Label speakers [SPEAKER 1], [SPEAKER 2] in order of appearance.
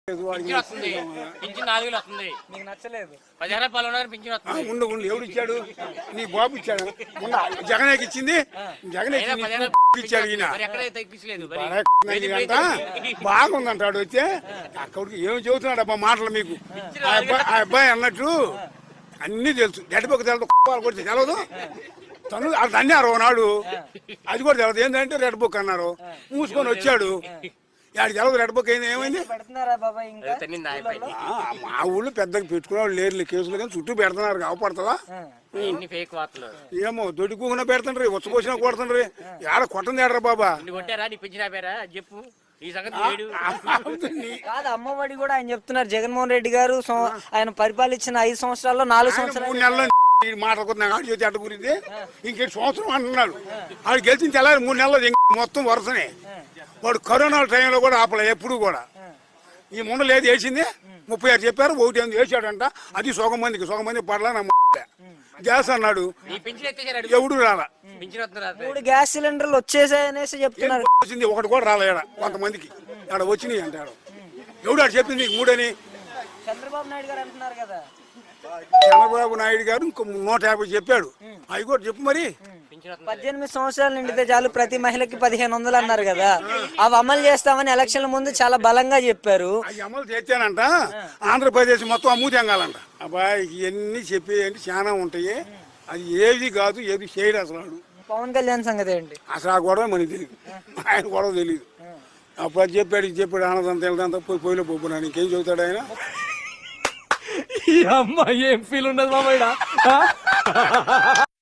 [SPEAKER 1] Pension వస్తుంది. Pension 4,000 వస్తుంది.
[SPEAKER 2] మీకు నచ్చలేదు?
[SPEAKER 1] 10 రూపాయలు ఉన్నారు పింఛన్ వస్తుంది.
[SPEAKER 3] ఉండు ఎవడు ఇచ్చాడు? నీ బాబు ఇచ్చాడు. జగనేకి ఇచ్చింది. జగన్ ఇచ్చాడు. ఈయన
[SPEAKER 1] ఎక్కడైతే తగ్గించలేదు.
[SPEAKER 3] బాగుందంటాడు. వచ్చే అక్కడికి ఏమి చెబుతున్నాడు అబ్బా మాటలు మీకు. ఆ అబ్బాయి అన్నట్టు అన్ని తెలుసు. గడ్డపక్క తెలదు కొడితే తెలవదు. తను అది అన్నారు నాడు. అది కూడా తెలదు. ఏంటంటే రెడ్ బుక్ అన్నారు. మూసుకొని వచ్చాడు. ఆడికి తెలదు. రెడ్ బుక్ అయింది. ఏమైంది? మా ఊళ్ళో పెద్దగా పెట్టుకునేవాళ్ళు లేరు కేసులు, కానీ చుట్టూ పెడుతున్నారు. కావపడుతుందా? ఏమో దొడ్డుకున్నా పెడుతుండ్రి, వచ్చపోసినా కొడుతుండ్రి. ఆడ కొట్టండి ఆడరా బాబా.
[SPEAKER 1] చెప్పు ఈ సంగతి.
[SPEAKER 2] కాదు, అమ్మఒడి కూడా ఆయన చెప్తున్నారు. జగన్మోహన్ రెడ్డి గారు ఆయన పరిపాలించిన 5 సంవత్సరాల్లో 4 సంవత్సరాలు
[SPEAKER 3] 3 నెలల్లో మాట్లాడుకున్నా చేతి అడ్డ గురించి ఇంకేంటి సంవత్సరం అంటున్నాడు. ఆడు గెలిచిన తెల్లారి 3 నెలలు మొత్తం వరుసనే. వాడు కరోనా టైంలో కూడా ఆపలే ఎప్పుడు కూడా. ఈ ముండలు ఏది వేసింది 36 చెప్పారు. 1 వేసాడంట. అది సగం మంది పడలా. నా గ్యాస్ అన్నాడు. ఎవడు రాలా.
[SPEAKER 2] 3 గ్యాస్ సిలిండర్లు వచ్చేసాయనేసి చెప్తున్నారు.
[SPEAKER 3] వచ్చింది ఒకటి కూడా రాలే. కొంతమందికి ఆడ వచ్చినాయి అంటాడు. ఎవడు ఆడు చెప్పింది 3 అని?
[SPEAKER 2] చంద్రబాబు నాయుడు గారు అంటున్నారు కదా.
[SPEAKER 3] చంద్రబాబు నాయుడు గారు ఇంకో 150 చెప్పాడు. అవి కూడా చెప్పు మరి.
[SPEAKER 2] 18 సంవత్సరాలు నిండితే చాలు ప్రతి మహిళకి 1500 అన్నారు కదా. అవి అమలు చేస్తామని ఎలక్షన్ల ముందు చాలా బలంగా చెప్పారు.
[SPEAKER 3] అవి అమలు చేశానంట. ఆంధ్రప్రదేశ్ మొత్తం అమ్ముతెంగాలంట. అబ్బాయి ఇవన్నీ చెప్పేయండి చాలా ఉంటాయి. అది ఏది కాదు, ఏది చేయడు అసలు.
[SPEAKER 2] పవన్ కళ్యాణ్ సంగతి ఏంటి?
[SPEAKER 3] అసలు ఆ గొడవ మనకి తెలియదు. ఆయన గొడవ తెలియదు. అప్పుడు అది చెప్పాడు ఆనందంతా వెళ్తాంతా పొయ్యిలో పోపున్నాను. ఇంకేం చెబుతాడు ఆయన?
[SPEAKER 4] ఈ అమ్మాయి ఏం ఫీల్ ఉండదు మామయ్య.